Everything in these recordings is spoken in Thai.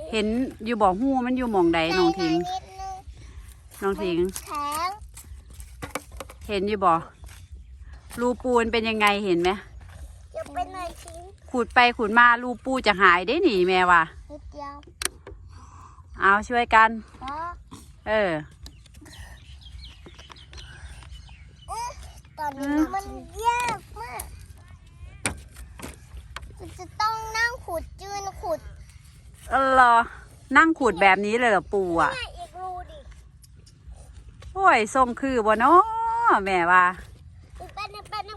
เห็นอยู่บ่อหูมันอยู่หม่องใดน้องทิ้งน้องทิ้งเห็นอยู่บ่รูปูนเป็นยังไงเห็นไหมจะเป็นอะไรทิ้งขุดไปขุดมารูปูจะหายได้หนิแม่ว่ะนิดเดียวเอาช่วยกันตอนนี้มันยากมากจะต้องนั่งขุดจืนขุดเหรอนั่งขุดแบบนี้เลยเหรอปูอ่ะอีกรูดิโอ้ยทรงคือบ่เนาะแม่ว่าเป็น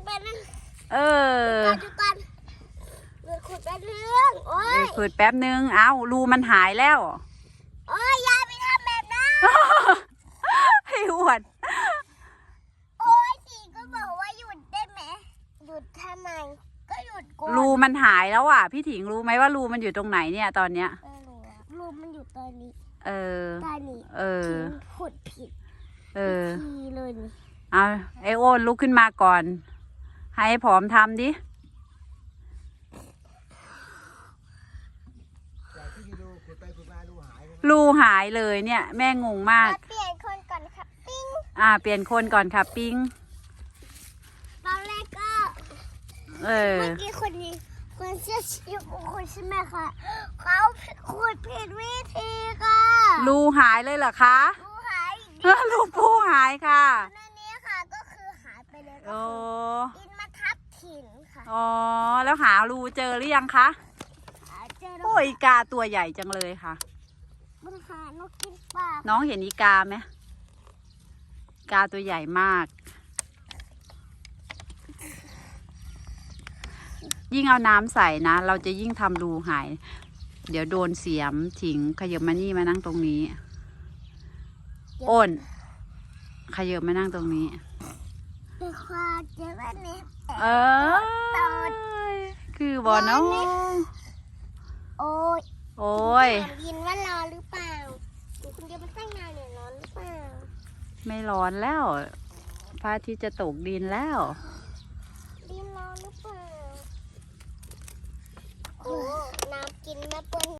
ดูกันขุดแป๊บนึงโอ้ยขุดแป๊บนึงเอารูมันหายแล้วโอ้ยยายไปทำแบบนั้นให้อวดโอ้ยสิก็บอกว่าหยุดได้ไหมหยุดทำไมก็หยุดก่อนรูมันหายแล้วอ่ะพี่ถิงรู้ไหมว่ารูมันอยู่ตรงไหนเนี่ยตอนเนี้ยรูมันอยู่ตอนนี้ตอนนี้ขุดผิดทีเลยนี่เอาไอโอนลุกขึ้นมาก่อนให้ผอมทำดิรูหายเลยเนี่ยแม่งงมากเปลี่ยนคนก่อนครับปิ้งเปลี่ยนคนก่อนค่ะปิ้งตอนแรกก็เมื่อกี้คนนี้คนเชื่อชีพคนใช่ไหมคะเขาขุดผิดวิธีค่ะรูหายเลยเหรอคะรูหายรูปูหายค่ะนั่นนี้ค่ะก็คือหายไปเลยโอ้ดินมาทับถิ่นค่ะอ๋อแล้วหารูเจอหรือยังคะโอ้ยอีกาตัวใหญ่จังเลยค่ะมันหานกกินปลาน้องเห็นอีกาไหมกาตัวใหญ่มากยิ่งเอาน้ำใส่นะเราจะยิ่งทำรูหายเดี๋ยวโดนเสียมถิงขยับมานี่มานั่งตรงนี้อ้นขยับมานั่งตรงนี้เป็นความเจ็บอันนี้คือบอเนาะโอ้ยยินว่ารอหรือเปล่าคุณเดียวมาตั้งนานเนี่ยร้อนหรือเปล่าไม่ร้อนแล้วพระอาทิตย์จะตกดินแล้วดินร้อนหรือเปล่าโอ้น้ำกินแม่เปิ้ล